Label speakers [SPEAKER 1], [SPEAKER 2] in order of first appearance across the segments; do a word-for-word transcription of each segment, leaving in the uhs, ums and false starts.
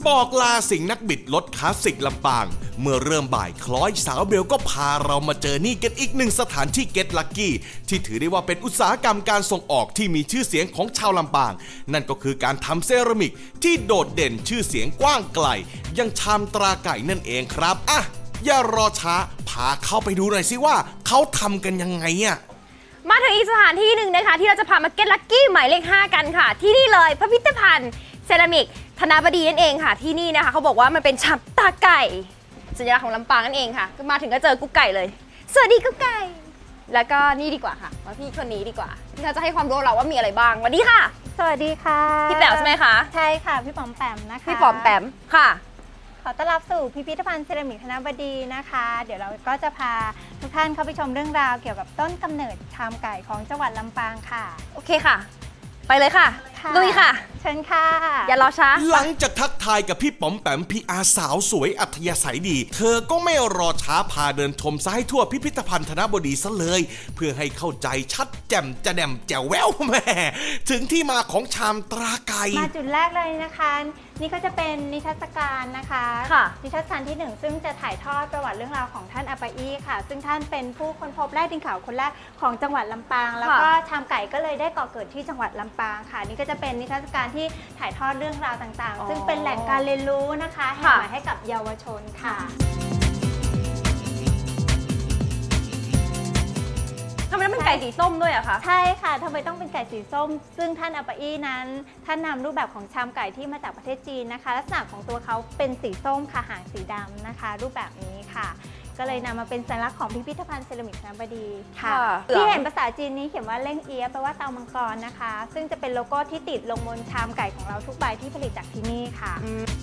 [SPEAKER 1] บอกลาสิ่งนักบิดรถคลาสสิกลำปางเมื่อเริ่มบ่ายคล้อยสาวเบลก็พาเรามาเจอนี่กันอีกหนึ่งสถานที่เก็ตลักกี้ที่ถือได้ว่าเป็นอุตสาหกรรมการส่งออกที่มีชื่อเสียงของชาวลำปางนั่นก็คือการทำเซรามิกที่โดดเด่นชื่อเสียงกว้างไกลยังชามตราไก่นั่นเองครับอ่ะอย่ารอช้าพาเข้าไปดูหน่อยสิว่าเขาทำกันยังไงอ่ะ
[SPEAKER 2] มาถึงอีกสถานที่หนึ่งนะคะที่เราจะพามาเก็ตลักกี้หมายเลขห้ากันค่ะที่นี่เลยพิพิธภัณฑ์เซรามิกธนบดีนั่นเองค่ะที่นี่นะคะเขาบอกว่ามันเป็นชามตาไก่สัญลักษณ์ของลำปางนั่นเองค่ะมาถึงก็เจอกุ๊กไก่เลยสวัสดีกุ๊กไก่แล้วก็นี่ดีกว่าค่ะมาพี่คนนี้ดีกว่าที่เขาจะให้ความรู้เราว่ามีอะไรบ้างสวัสดีค่ะ
[SPEAKER 3] สวัสดีค่ะ
[SPEAKER 2] พี่แป๋วใช่ไหมคะ
[SPEAKER 3] ใช่ค่ะพี่ป๋อมแปมนะคะ
[SPEAKER 2] พี่ป๋อมแปมค่ะ
[SPEAKER 3] ขอต้อนรับสู่พิพิธภัณฑ์เซรามิกธนบดีนะคะเดี๋ยวเราก็จะพาทุกท่านเข้าไปชมเรื่องราวเกี่ยวกับต้นกำเนิดชามไก่ของจังหวัดลำปางค่ะ
[SPEAKER 2] โอเคค่ะไปเลยค่ะลุยค่ะ
[SPEAKER 3] เชิญค่ะ
[SPEAKER 2] อย่ารอช้า
[SPEAKER 1] หลังจากทักทายกับพี่ป๋อมแปมพี่อาสาวสวยอัธยาศัยดีเธอก็ไม่รอช้าพาเดินชมซะให้ทั่วพิพิธภัณฑ์ธนบดีซะเลยเพื่อให้เข้าใจชัดแจ่มจะแดมแจ๋วแววแม่ถึงที่มาของชามตราไก่
[SPEAKER 3] มาจุดแรกเลยนะคะนี่ก็จะเป็นนิทรรศการนะคะนิทรรศการที่หนึ่งซึ่งจะถ่ายทอดประวัติเรื่องราวของท่านอาปาอี้ค่ะซึ่งท่านเป็นผู้ค้นพบแร่ดินขาวคนแรกของจังหวัดลำปางแล้วก็ชามไก่ก็เลยได้ก่อเกิดที่จังหวัดลำปางค่ะนี่ก็จะเป็นนิทรรศการที่ถ่ายทอดเรื่องราวต่างๆซึ่งเป็นแหล่งการเรียนรู้นะคะแห่งใหม่ให้กับเยาวชนค่ะ
[SPEAKER 2] ทำไมต้องเป็นไก่สีส้มด้วยอะคะ
[SPEAKER 3] ใช่ค่ะทำไมต้องเป็นไก่สีส้มซึ่งท่านอาปาอี้นั้นท่านนำรูปแบบของชามไก่ที่มาจากประเทศจีนนะคะลักษณะของตัวเขาเป็นสีส้มค่ะหางสีดำนะคะรูปแบบนี้ค่ะก็เลยนำมาเป็นสัญลักษณ์ของพิพิธภัณฑ์เซรามิกธนบดีค่ะที่เห็นภาษาจีนนี้เขียนว่าเล่งเอี๊ยะแปลว่าเตามังกรนะคะซึ่งจะเป็นโลโก้ที่ติดลงบนชามไก่ของเราทุกใบที่ผลิตจากที่นี่ค่ะ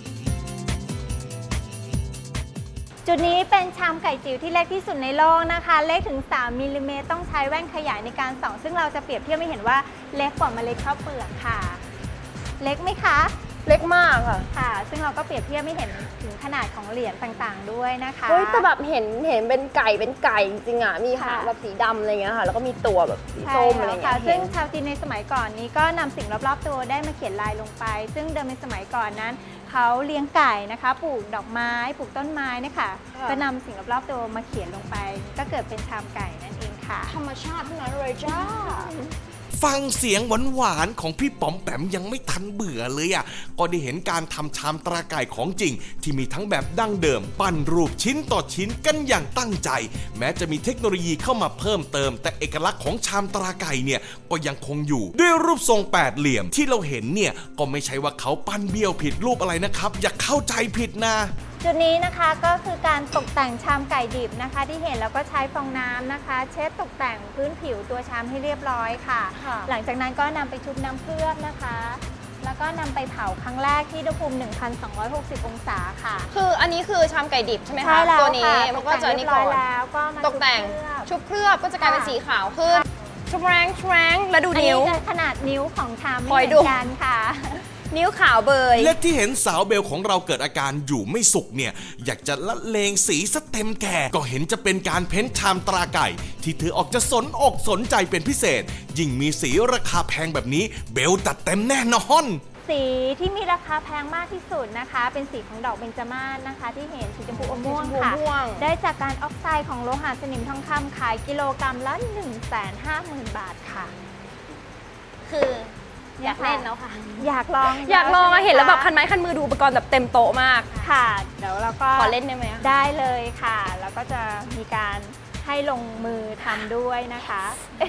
[SPEAKER 3] จุดนี้เป็นชามไก่จิ๋วที่เล็กที่สุดในโลกนะคะเล็กถึงสามมิลลิเมตรต้องใช้แว่นขยายในการส่องซึ่งเราจะเปรียบเทียบให้เห็นว่าเล็กกว่าเมล็ดข้าวเปลือกค่ะเล็กไหมคะ
[SPEAKER 2] เล็กมากค่ะ
[SPEAKER 3] ค่ะซึ่งเราก็เปรียบเทียบไม่เห็นถึงขนาดของเหรียญต่างๆด้วยนะคะ
[SPEAKER 2] เฮ้ยแต่แบบเห็นเห็นเป็นไก่เป็นไก่จริงๆอ่ะมีหางแบบสีดำอะไรเงี้ยค่ะแล้วก็มีตัวแบบสีส้มอะไรเงี้ย
[SPEAKER 3] ซึ่งชาวจีนในสมัยก่อนนี้ก็นำสิ่งรอบๆตัวได้มาเขียนลายลงไปซึ่งเดิมในสมัยก่อนนั้นเขาเลี้ยงไก่นะคะปลูกดอกไม้ปลูกต้นไม้นะคะก็นำสิ่งรอบๆตัวมาเขียนลงไปก็เกิดเป็นชามไก่นั่นเองค่ะ
[SPEAKER 2] ธรรมชาติทั้งนั้นเลยจ้า
[SPEAKER 1] ฟังเสียงหวานๆของพี่ป๋อมแปมยังไม่ทันเบื่อเลยอ่ะก็ได้เห็นการทำชามตราไก่ของจริงที่มีทั้งแบบดั้งเดิมปั้นรูปชิ้นต่อชิ้นกันอย่างตั้งใจแม้จะมีเทคโนโลยีเข้ามาเพิ่มเติมแต่เอกลักษณ์ของชามตราไก่เนี่ยก็ยังคงอยู่ด้วยรูปทรงแปดเหลี่ยมที่เราเห็นเนี่ยก็ไม่ใช่ว่าเขาปั้นเบี้ยวผิดรูปอะไรนะครับอย่าเข้าใจผิดนะ
[SPEAKER 3] จุดนี้นะคะก็คือการตกแต่งชามไก่ดิบนะคะที่เห็นแล้วก็ใช้ฟองน้ำนะคะเช็ดตกแต่งพื้นผิวตัวชามให้เรียบร้อยค่ะหลังจากนั้นก็นำไปชุบน้ำเคลือบนะคะแล้วก็นำไปเผาครั้งแรกที่อุณหภูมิ หนึ่งพันสองร้อยหกสิบ องศาค่ะ
[SPEAKER 2] คืออันนี้คือชามไก่ดิบใช่ไหมคะตัวนี้มันก็จะนี่ก่อน
[SPEAKER 3] แล้วก็
[SPEAKER 2] ตกแต่งชุบเคลือบก็จะกลายเป็นสีขาวขึ้นชุบแรงชุบแรงแล้วดูนิ้ว
[SPEAKER 3] ขนาดนิ้วของชามไม่เหมือนกันค่ะ
[SPEAKER 2] นิ้วขาวเบย
[SPEAKER 1] และที่เห็นสาวเบลของเราเกิดอาการอยู่ไม่สุขเนี่ยอยากจะละเลงสีซะเต็มแก่ก็เห็นจะเป็นการเพ้นชามตราไก่ที่เธอออกจะสนอกสนใจเป็นพิเศษยิ่งมีสีราคาแพงแบบนี้เบลจัดเต็มแน่นอน
[SPEAKER 3] สีที่มีราคาแพงมากที่สุดนะคะเป็นสีของดอกเบญจมาศนะคะที่เห็นสีชมพูอมม่วงค่ะได้จากการออกไซด์ของโลหะสนิมทองคำขายกิโลกรัมละ หนึ่งแสนห้าหมื่น บาทค่ะ
[SPEAKER 2] คืออยากเล่นแล้วค่ะ
[SPEAKER 3] อยากลอง
[SPEAKER 2] อยากลองเห็นแล้วแบบคันไม้คันมือดูอุปกรณ์แบบเต็มโต๊ะมาก
[SPEAKER 3] ค่ะเดี๋ยวเราก็
[SPEAKER 2] ขอเล่นได้ไหม
[SPEAKER 3] ได้เลยค่ะแล้วก็จะมีการให้ลงมือทำด้วยนะคะ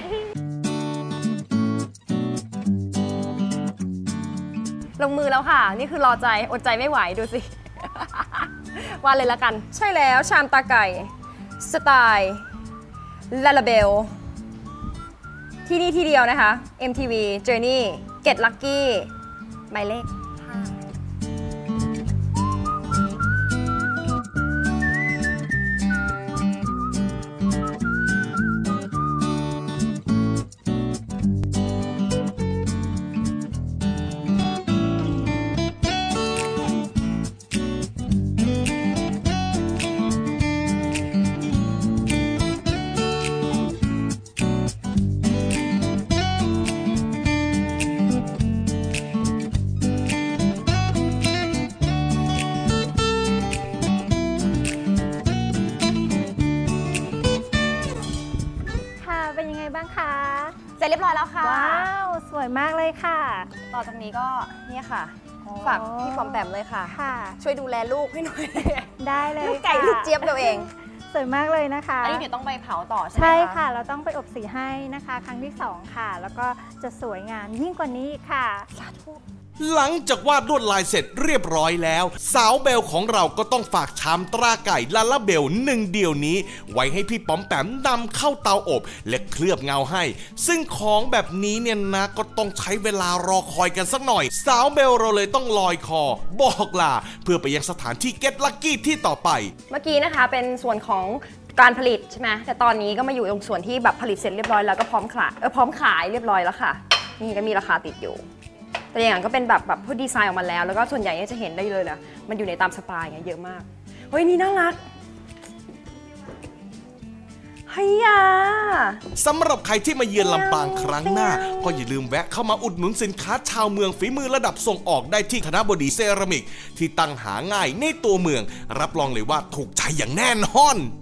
[SPEAKER 2] ลงมือแล้วค่ะนี่คือรอใจอดใจไม่ไหวดูสิว่าเลยละกันใช่แล้วชามตาไก่สไตล์ลาลาเบลที่นี่ที่เดียวนะคะ เอ็ม ที วี Journey Get Lucky หมายเลข
[SPEAKER 3] บ้างคะ
[SPEAKER 2] เสร็จเรียบร้อยแล้วค่ะ
[SPEAKER 3] ว้าวสวยมากเลยค่ะ
[SPEAKER 2] ต่อจากนี้ก็เนี่ยค่ะฝากพี่ปอมแปมเลยค่ะ
[SPEAKER 3] ค่ะ
[SPEAKER 2] ช่วยดูแลลูกให้หน่อย
[SPEAKER 3] ได้เลย
[SPEAKER 2] ลูกไก่
[SPEAKER 3] ค่ะ
[SPEAKER 2] ลูกเจี๊ยบเราเอง
[SPEAKER 3] สวยมากเลยนะคะ
[SPEAKER 2] อันนี้เดี๋ยวต้องไปเผาต่อใช่ไหมคะ
[SPEAKER 3] ใช่ค่ะเราต้องไปอบสีให้นะคะ ครั้งที่สองค่ะ แล้วก็จะสวยงามยิ่งกว่านี้อีกค่ะ
[SPEAKER 2] สาธุ
[SPEAKER 1] หลังจากวาดลวดลายเสร็จเรียบร้อยแล้ว สาวเบลของเราก็ต้องฝากชามตราไก่ลาลาเบลหนึ่งเดียวนี้ ไว้ให้พี่ป๋อมแปมนำเข้าเตาอบและเคลือบเงาให้ ซึ่งของแบบนี้เนี่ยนะก็ต้องใช้เวลารอคอยกันสักหน่อย สาวเบลเราเลยต้องลอยคอบอกลาเพื่อไปยังสถานที่เก็ตลักกี้ที่ต่อไป
[SPEAKER 2] เมื่อกี้นะคะเป็นส่วนของการผลิตใช่ไหมแต่ตอนนี้ก็มาอยู่ตรงส่วนที่แบบผลิตเสร็จเรียบร้อยแล้วก็พร้อมขายเออพร้อมขายเรียบร้อยแล้วค่ะนี่ก็มีราคาติดอยู่แต่อย่างนั้นก็เป็นแบบแบบพวกดีไซน์ออกมาแล้วแล้วก็ส่วนใหญ่จะเห็นได้เลยนะมันอยู่ในตามสไตล์ไงเยอะมากเฮ้ยนี่น่ารักเฮีย
[SPEAKER 1] สำหรับใครที่มาเยือนลำปางครั้งหน้า ก็อย่าลืมแวะเข้ามาอุดหนุนสินค้าชาวเมืองฝีมือระดับส่งออกได้ที่ธนบดีเซรามิกที่ตั้งหาง่ายในตัวเมืองรับรองเลยว่าถูกใจอย่างแน่นอน